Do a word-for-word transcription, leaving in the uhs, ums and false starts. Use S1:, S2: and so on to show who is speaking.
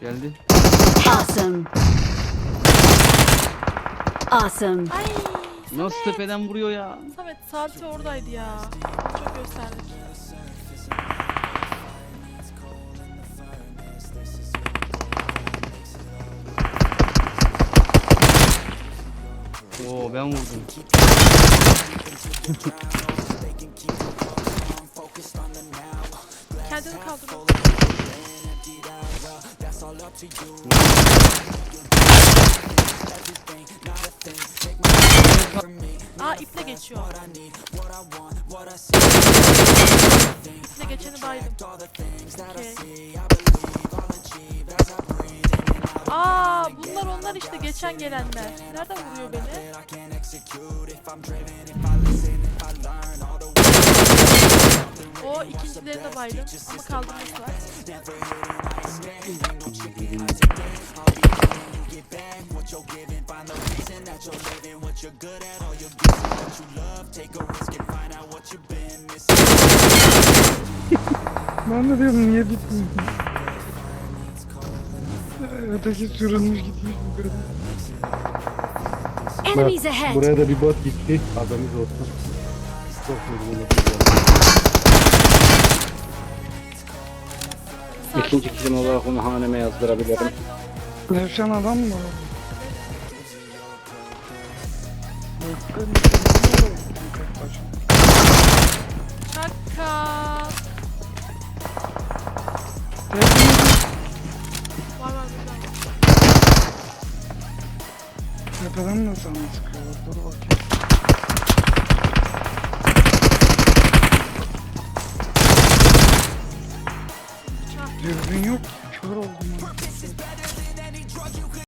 S1: Geldi.
S2: Awesome. Awesome.
S3: Ay
S1: Nasıl
S3: Samet.
S1: tepeden vuruyor ya?
S3: Samet saati oradaydı ya. Çok gösterdik.
S1: Oo ben vurdum.
S3: Kendini kaldır. Aa iple geçiyor. İple geçeni baydım. Okay. Aa bunlar onlar işte geçen gelenler. Nereden vuruyor beni? O ikincileri de baydım ama kaldırması var.
S4: Ben de diyorum niye bitmiyor? Öteki sürülmüş gitmiş bu kadar.
S2: Enemies ahead.
S5: Buraya da bir bot gitti. Haberiniz olsun. Çok vurgun İkinci kişim olarak onu haneme yazdırabilirim.
S4: Yaşayan adam mı?
S3: Şaka. Var var burada.
S4: Tepeden de sana sıkıyorlar. Dur bakayım.
S3: Bıçak.
S4: Dürbün yok. Kör oldum.